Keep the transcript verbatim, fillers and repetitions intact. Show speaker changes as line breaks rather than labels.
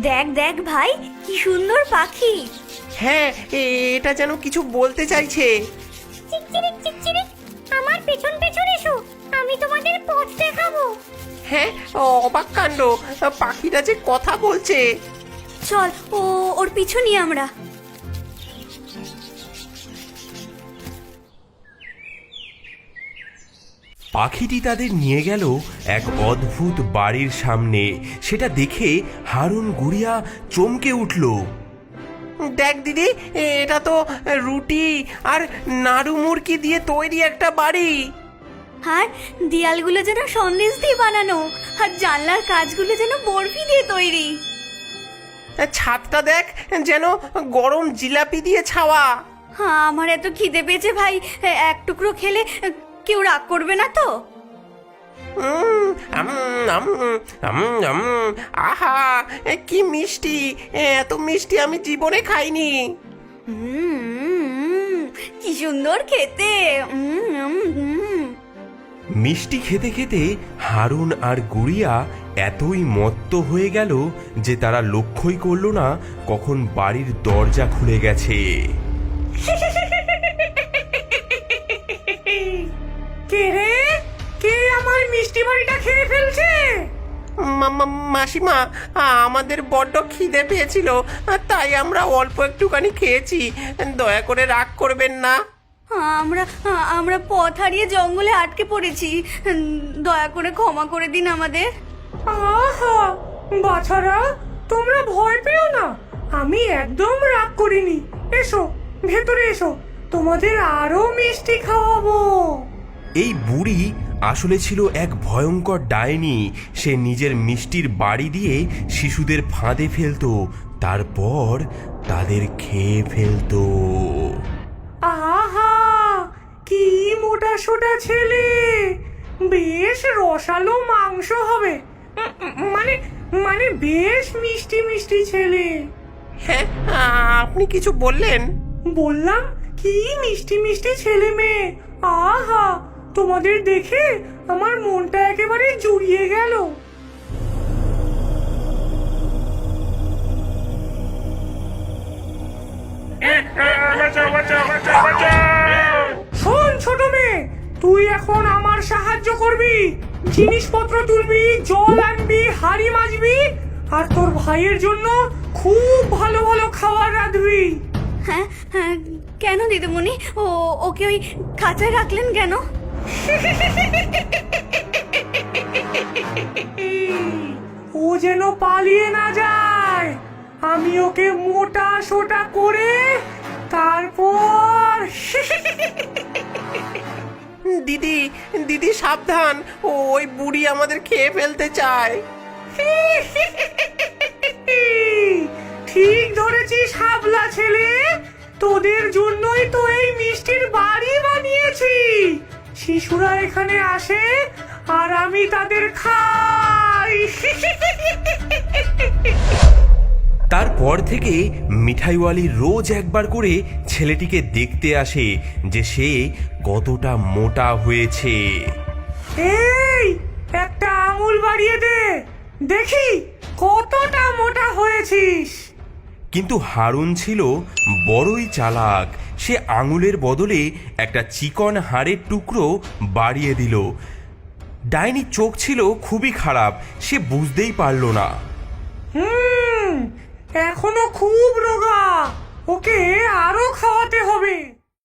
দেখ দেখ ভাই, কি সুন্দর পাখি।
হ্যাঁ, এটা যেন কিছু বলতে চাইছে।
চিকচিরিক চিকচিরিক, আমার পেছন পেছন এসো, আমি তোমাদের পথ দেখাবো।
হ্যাঁ, অবাক কাণ্ড, পাখিটা যে কথা বলছে।
চল, ও ওর পিছু নিয়ে আমরা।
পাখিটি তাদের নিয়ে গেল এক অদ্ভুত বাড়ির সামনে। সেটা দেখে হারুন গুড়িয়া চমকে উঠল।
দেখ দিদি, এটা তো রুটি আর নাড়ু মুরকি দিয়ে তৈরি একটা বাড়ি।
আর দেয়ালগুলো যেন সন্দেশ দিয়ে বানানো, আর জানলার কাজগুলো যেন বরফি দিয়ে তৈরি।
ছাদটা দেখ, যেন গরম জিলাপি দিয়ে ছাওয়া।
হ্যাঁ, আমার এত খিদে পেয়েছে ভাই, এক টুকরো খেলে কেউ রাগ করবে না তো?
উম, আম, আম, আম, আম, আহা, কি মিষ্টি! এত মিষ্টি আমি জীবনে খাইনি।
উম, কি সুন্দর খেতে। উম, উম, উম।
মিষ্টি খেতে খেতে হারুন আর গুড়িয়া এতই মত্ত হয়ে গেল যে তারা লক্ষ্যই করল না কখন বাড়ির দরজা খুলে গেছে।
কে রে? কে আমার মিষ্টি বাড়িটা খেয়ে ফেলছে?
মা- মা- মাসিমা, আমাদের বড্ড খিদে পেয়েছিল, তাই আমরা অল্প একটুখানি খেয়েছি। দয়া করে রাগ করবেন না।
আমরা আমরা পথ হারিয়ে জঙ্গলে আটকে পড়েছি, দয়া করে ক্ষমা করে দিন আমাদের।
আহা, বাছারা, তোমরা ভয় পেও না, আমি একদম রাগ করিনি। এসো, ভেতরে এসো, তোমাদের আরো মিষ্টি খাওয়াবো।
এই বুড়ি আসলে ছিল এক ভয়ঙ্কর ডাইনি। সে নিজের মিষ্টির বাড়ি দিয়ে শিশুদের ফাঁদে ফেলতো, তারপর তাদের খেয়ে ফেলতো।
আহা, কি মোটা সোটা ছেলে, বেশ রসালো মাংস হবে। উম, উম, মানে মানে বেশ মিষ্টি মিষ্টি ছেলে।
হ্যাঁ, আপনি কিছু বললেন?
বললাম কি মিষ্টি মিষ্টি ছেলে মেয়ে। আহা, তোমাদের দেখে আমার মনটা একেবারে জুড়িয়ে গেল। শোন ছোট মেয়ে, তুই এখন আমার সাহায্য করবি, জিনিসপত্র তুলবি, জল আনবি, হাড়ি মাজবি, আর তোর ভাইয়ের জন্য খুব ভালো ভালো খাবার রাঁধবি।
হ্যাঁ হ্যাঁ, কেন দিদিমণি? ও ওকে ওই খাঁচায় রাখলেন কেন?
ও যেন পালিয়ে না যায়, আমি ওকে মোটা সোটা করে তারপর
দিদি, দিদি সাবধান, ওই বুড়ি আমাদের খেয়ে ফেলতে চায়।
ঠিক ধরেছিস হাবলা ছেলে, তোদের জন্যই তো এই মিষ্টির বাড়ি বানিয়েছি। শিশুরা এখানে আসে আর আমি তাদের খাই।
তারপর থেকে মিঠাইওয়ালি রোজ একবার করে ছেলেটিকে দেখতে আসে যে সে কতটা মোটা হয়েছে।
এই, একটা আঙুল বাড়িয়ে দে, দেখি কতটা মোটা হয়েছিস।
কিন্তু হারুন ছিল বড়ই চালাক। সে আঙুলের বদলে একটা চিকন হাড়ের টুকরো বাড়িয়ে দিল। ডাইনির চোখ ছিল খুবই খারাপ, সে বুঝতেই পারল না।
হুম, এখনো খুব রোগা, ওকে আরো খাওয়াতে হবে।